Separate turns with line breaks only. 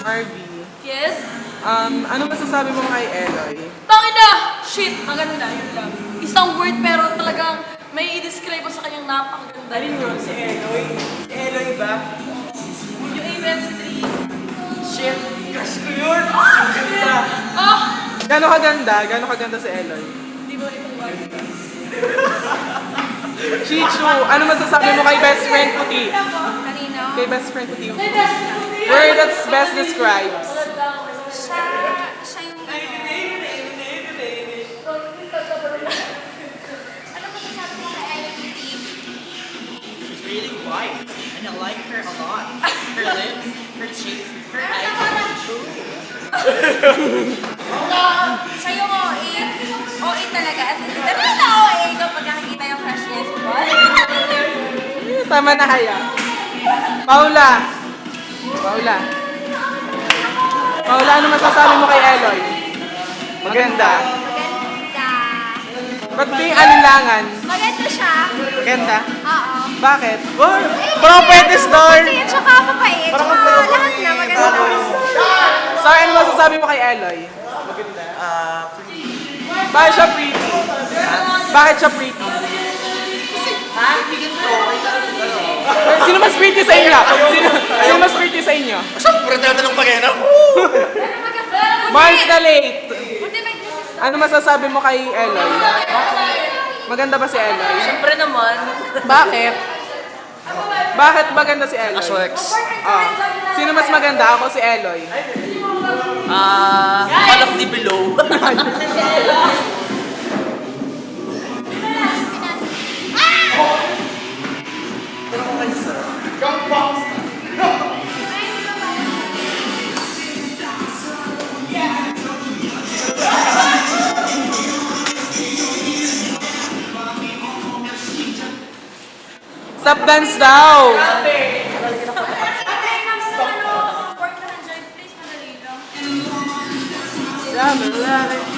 Marvy,
Yes?
ano masasabi mo kay Eloy?
Tangina! Shit! Maganda, yun lang. Isang word pero talagang may i-describe mo sa kanyang napakaganda.
Alin yun? Si Eloy? Si Eloy ba?
Yung AMC3.
Shit! Crush ko yun! Ang ganda!
Ah!
Gano'ng kaganda? Gano'ng kaganda si Eloy?
Hindi mo rin maganda.
Chichu, ano masasabi mo kay best friend Puti?
Kanino?
Kay best friend Puti. Word that's best describes.
Siya yung ano. Ano masasabi mo kay IMT?
She's really white, and I like her a lot. Her lips, her cheeks, her eyes.
Siya yung OA. OA talaga. As in, talaga na OA kapag nakikita yung crush niya.
Tama na haya. Paula. Paula. Paula, ano masasabi mo kay Eloy? Maganda.
Maganda.
Ba't may alinlangan?
Maganda siya.
Maganda?
Oo.
Bakit? Oh, parang pwede star.
Kasi tsaka mabait. Tsaka lahat na maganda.
So, ano masasabi mo kay Eloy? Bakit siya pretty? Bakit siya pretty? Sino mas pretty sa inyo? Sino mas pretty sa inyo?
Siyempre, tatanong pa kaya na.
Mars na late.
Buti may gusto.
Ano masasabi mo kay Eloy? Maganda ba si Eloy?
Siyempre naman.
Bakit? Bakit maganda si Eloy?
Aswex.
Ah. Sino mas maganda? Ako si Eloy.
All of the below.
Stop dance daw!
Work na ng joint, please, madali lang.
Yeah,